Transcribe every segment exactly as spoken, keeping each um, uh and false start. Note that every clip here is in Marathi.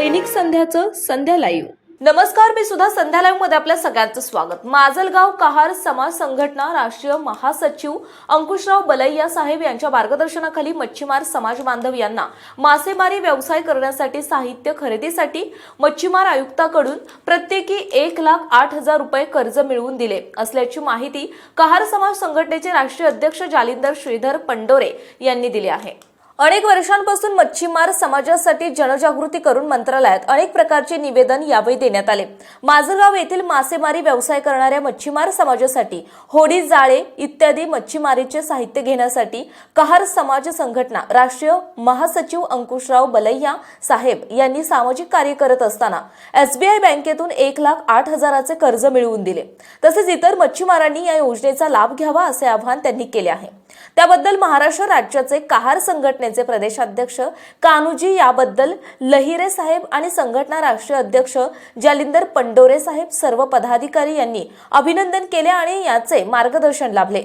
दैनिक संध्याचं संध्या लाईव्ह. नमस्कार, मी सुद्धा संध्या लाईव्ह मध्ये आपल्या सगळ्यांचं स्वागत. माजलगाव कहार समाज संघटना राष्ट्रीय महासचिव अंकुशराव बलैया साहेब यांच्या मार्गदर्शनाखाली मच्छीमार समाज बांधव यांना मासेमारी व्यवसाय करण्यासाठी साहित्य खरेदीसाठी मच्छीमार आयुक्ताकडून प्रत्येकी एक लाख आठ हजार रुपये कर्ज मिळवून दिले असल्याची माहिती कहार समाज संघटनेचे राष्ट्रीय अध्यक्ष जालिंदर श्रीधर पंडोरे यांनी दिली आहे. अनेक वर्षांपासून मच्छीमार समाजासाठी जनजागृती करून मंत्रालयात अनेक प्रकारचे निवेदन यावेळी देण्यात आले. माजलगाव येथील मासेमारी व्यवसाय करणाऱ्या मच्छीमार समाजासाठी होडी, जाळे इत्यादी मच्छीमारीचे साहित्य घेण्यासाठी कहार समाज संघटना राष्ट्रीय महासचिव अंकुशराव बलैया साहेब यांनी सामाजिक कार्य करत असताना एसबीआय बँकेतून एक लाख आठ हजाराचे कर्ज मिळवून दिले. तसेच इतर मच्छीमारांनी या योजनेचा लाभ घ्यावा असे आवाहन त्यांनी केले आहे. त्याबद्दल महाराष्ट्र राज्याचे कहार संघटनेचे प्रदेशाध्यक्ष कान्होजी याबद्दल लहिरे साहेब आणि संघटना राष्ट्रीय अध्यक्ष जालिंदर पंडोरे साहेब सर्व पदाधिकारी यांनी अभिनंदन केले आणि याचे मार्गदर्शन लाभले.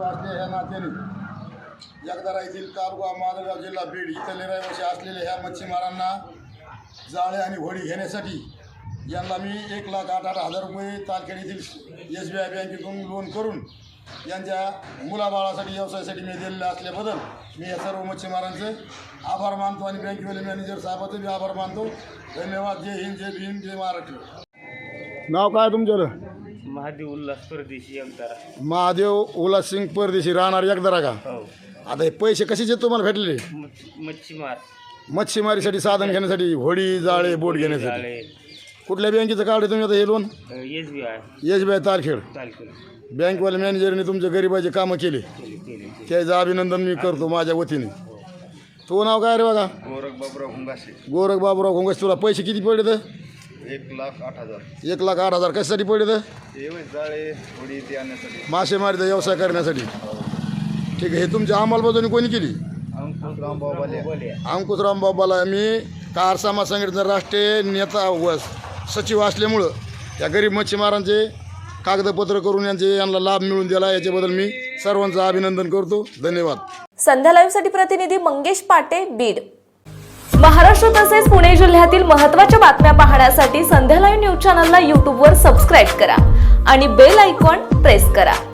जगदारा येथील तालुका माजलगाव जिल्हा बीड इथले रहिवासी असलेल्या ह्या मच्छीमारांना जाळे आणि होडी घेण्यासाठी यांना मी एक लाख आठ आठ हजार रुपये तारखेड येथील एस बी आय बँकेतून लोन करून यांच्या मुलाबाळासाठी व्यवसायासाठी मी दिलेलं असल्याबद्दल मी या सर्व मच्छीमारांचे आभार मानतो आणि बँकेवाले मॅनेजर साहेबांचे बी आभार मानतो. धन्यवाद. जय हिंद, जय भीम, जय महाराष्ट्र. नाव काय तुमचं? महादेव उल्हास परदेशी एकदारा. महादेव उल्हास सिंग परदेशी, राहणार एकदारा का? हो. आता हे पैसे कशाचे तुम्हाला भेटलेले? मच्छीमार मच्छीमारीसाठी साधन घेण्यासाठी, होडी, जाळे, बोट घेण्यासाठी. कुठल्या बँकेचं काढले तुम्ही आता हे loan? S B I S B I Tarkhed. Talkhed. बँकवाल्या मॅनेजरने तुमच्या गरीबाचे कामं केले, त्याचं अभिनंदन मी करतो माझ्या वतीने. तो नाव काय रे बघा? गोरख बाबुराव घोंगासे. गोरख बाबुराव घोंगासे. तुला पैसे किती पडले तर? एक लाख आठ हजार. एक लाख आठ हजार कशासाठी पडले तर? हे जाळे होडी ते आणण्यासाठी, मासेमारीचा व्यवसाय करण्यासाठी. ठीक आहे. हे तुमच्या अंमलबजावणी कोणी केली? अंकुशराव बाबाले. अंकुशराव बाबाला. मी कहार समाज संघटनेचा राष्ट्रीय नेता व सचिव असल्यामुळं त्या गरीब मच्छीमारांचे कागदपत्र करून यांचे यांना लाभ मिळवून दिला, याच्याबद्दल मी सर्वांचं अभिनंदन करतो. धन्यवाद. संध्या लाईव्ह साठी प्रतिनिधी मंगेश पाटे, बीड. महाराष्ट्र तसेच पुणे जिल्ह्यातील महत्त्वाच्या बातम्या पाहण्यासाठी संध्या लाईव्ह न्यूज चॅनलला यूट्यूबवर सबस्क्राईब करा आणि बेल आयकॉन प्रेस करा.